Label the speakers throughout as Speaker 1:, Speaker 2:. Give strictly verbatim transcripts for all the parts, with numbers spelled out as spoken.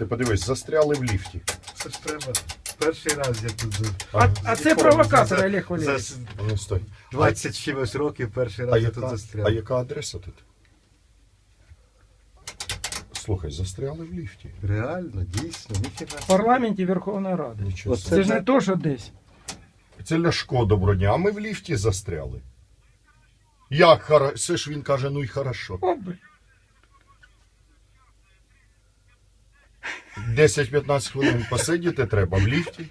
Speaker 1: Ти подивись, застряли в ліфті.
Speaker 2: Це ж треба. Перший раз я тут за-
Speaker 3: А, а це провокатор, Олег
Speaker 2: за
Speaker 3: Валерійович.
Speaker 2: с-
Speaker 1: Ну, стой.
Speaker 2: двадцять чимось років перший
Speaker 1: А
Speaker 2: раз я тут
Speaker 1: яка, а
Speaker 2: застряв.
Speaker 1: яка адреса тут? Слухай, застряли в ліфті.
Speaker 2: Реально, дійсно, ніфіга.
Speaker 3: В парламенті Верховної Ради.
Speaker 1: Нічого
Speaker 2: Оце
Speaker 1: собі.
Speaker 3: Це ж не то, що десь.
Speaker 1: Це Ляшко, доброго дня, а ми в ліфті застряли. Як хорошо? Це ж він каже, ну й хорошо.
Speaker 3: О, блін.
Speaker 1: десять-п'ятнадцять хвилин посидіти треба в ліфті.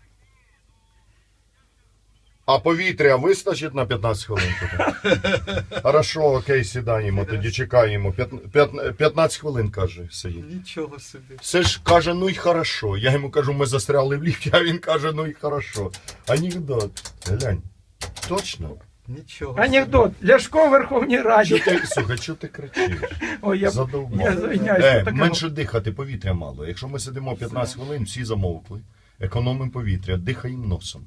Speaker 1: А повітря вистачить на п'ятнадцять хвилин? Тоді? Хорошо, окей, сідаємо, тоді чекаємо. П'ят- п'ят- п'ятнадцять хвилин, каже, сидіть.
Speaker 2: Нічого собі.
Speaker 1: Це ж каже, ну й хорошо. Я йому кажу, ми застряли в ліфті, а він каже, ну й хорошо. Анекдот. Глянь. Точно?
Speaker 2: Нічого.
Speaker 3: Анекдот. Ляшко в Верховній
Speaker 1: Чо
Speaker 3: Раді.
Speaker 1: ти, слухай, чого ти кричиш?
Speaker 3: Ой, я,
Speaker 1: Задовбав.
Speaker 3: я звиняюсь.
Speaker 1: Е,
Speaker 3: таке-
Speaker 1: менше дихати, повітря мало. Якщо ми сидимо п'ятнадцять хвилин, всі замовкли. Економимо повітря, дихаємо носом.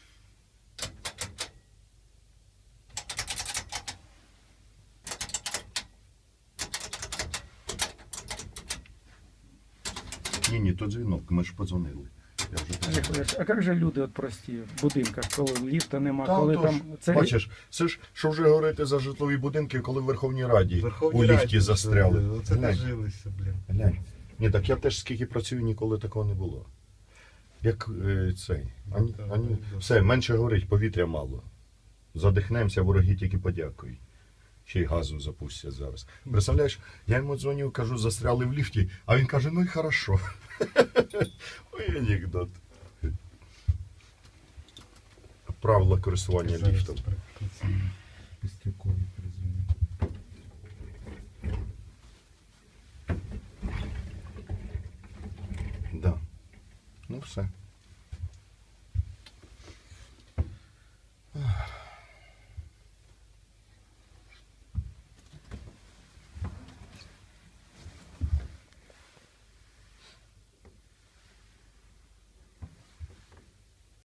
Speaker 1: Ні, ні, то дзвінок, ми ж подзвонили. Я вже
Speaker 3: Олег
Speaker 1: подзвонив.
Speaker 3: Валерійович, а як же люди от прості в будинках, коли ліфта нема,
Speaker 1: Та,
Speaker 3: коли
Speaker 1: отож,
Speaker 3: там... Це...
Speaker 1: Бачиш, це ж, що вже говорити за житлові будинки, коли в Верховній Раді
Speaker 2: Верховній
Speaker 1: у ліфті
Speaker 2: Раді,
Speaker 1: застряли.
Speaker 2: Оце
Speaker 1: Глянь.
Speaker 2: дожилися, блін.
Speaker 1: Глянь. Ні, так я теж скільки працюю, ніколи такого не було. Як е, цей. Ані,
Speaker 2: так,
Speaker 1: ані,
Speaker 2: так.
Speaker 1: все, менше горить, повітря мало. Задихнемося, вороги тільки подякують. Ще й газу запустять зараз. Представляєш, я йому дзвоню, кажу, застряли в ліфті, а він каже, ну і хорошо. Ой, анекдот. Правила користування
Speaker 2: Зараз
Speaker 1: ліфтом.
Speaker 2: прикрутиться. Пістрюкові перезвоню.
Speaker 1: Да. Ну все.